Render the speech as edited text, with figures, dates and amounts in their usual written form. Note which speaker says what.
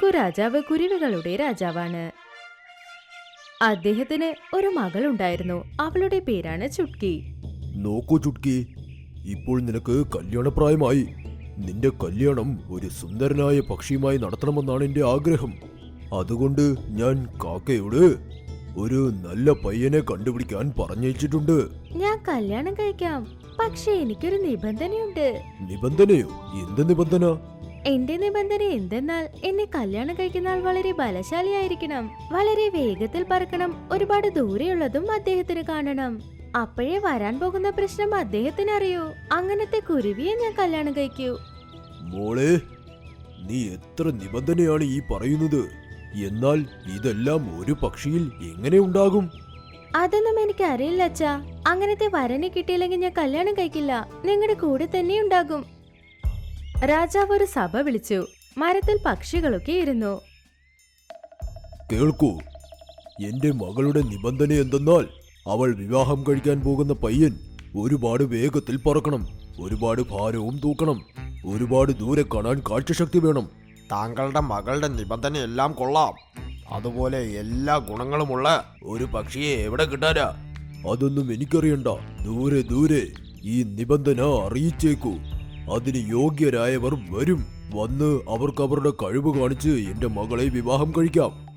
Speaker 1: രാജാവ് കുരുവികളുടെ രാജാവാണ്. അദ്ദേഹത്തിന് ഒരു മകളുണ്ടായിരുന്നു. അവളുടെ പേരാണ് ചുട്കി.
Speaker 2: നോക്കൂ ചുട്കി, ഇപ്പോൾ നിനക്ക് കല്യാണപ്രായമായി. നിന്റെ കല്യാണം ഒരു സുന്ദരനായ പക്ഷിയുമായി നടത്തണമെന്നാണ് എന്റെ ആഗ്രഹം. അതുകൊണ്ട് ഞാൻ കാക്കയോട് ഒരു നല്ല പയ്യനെ കണ്ടുപിടിക്കാൻ പറഞ്ഞയച്ചിട്ടുണ്ട്.
Speaker 1: ഞാൻ കല്യാണം കഴിക്കാം, പക്ഷെ എനിക്കൊരു നിബന്ധനയുണ്ട്.
Speaker 2: നിബന്ധനയോ? എന്ത് നിബന്ധന?
Speaker 1: എന്റെ നിബന്ധന എന്തെന്നാൽ എന്നെ കല്യാണം കഴിക്കുന്ന ആൾ വളരെ ബലശാലിയായിരിക്കണം, വളരെ വേഗത്തിൽ പറക്കണം, ഒരുപാട് ദൂരെയുള്ളതും അദ്ദേഹത്തിന് കാണണം. അപ്പോഴേ വരാൻ പോകുന്ന പ്രശ്നം അദ്ദേഹത്തിന് അറിയൂ. അങ്ങനത്തെ കുരുവിയെ ഞാൻ കല്യാണം കഴിക്കൂ.
Speaker 2: മോളെ, നീ എത്ര നിബന്ധനയാണ് ഈ പറയുന്നത്? എന്നാൽ ഇതെല്ലാം ഒരു പക്ഷിയിൽ എങ്ങനെ ഉണ്ടാകും?
Speaker 1: അതൊന്നും എനിക്ക് അറിയില്ല അച്ഛാ. അങ്ങനത്തെ വരനെ കിട്ടിയില്ലെങ്കിൽ ഞാൻ കല്യാണം കഴിക്കില്ല. നിങ്ങളുടെ കൂടെ തന്നെ ഉണ്ടാകും. രാജാവ് ഒരു സഭ വിളിച്ചു. മരത്തിൽ പക്ഷികളൊക്കെ ഇരുന്നു.
Speaker 2: കേൾക്കൂ, എന്റെ മകളുടെ നിബന്ധന എന്തെന്നാൽ അവൾ വിവാഹം കഴിക്കാൻ പോകുന്ന പയ്യൻ ഒരുപാട് വേഗത്തിൽ പറക്കണം, ഒരുപാട് ഭാരവും തൂക്കണം, ഒരുപാട് ദൂരെ കാണാൻ കാഴ്ചശക്തി വേണം.
Speaker 3: താങ്കളുടെ മകളുടെ നിബന്ധനയെല്ലാം കൊള്ളാം. അതുപോലെ എല്ലാ ഗുണങ്ങളുമുള്ള
Speaker 2: ഒരു പക്ഷിയെ എവിടെ കിട്ടാനാ? അതൊന്നും എനിക്കറിയണ്ട. ദൂരെ ദൂരെ ഈ നിബന്ധന അറിയിച്ചേക്കൂ. അതിന് യോഗ്യരായവർ വരും. വന്ന് അവർക്ക് അവരുടെ കഴിവ് കാണിച്ച് എന്റെ മകളെ വിവാഹം കഴിക്കാം.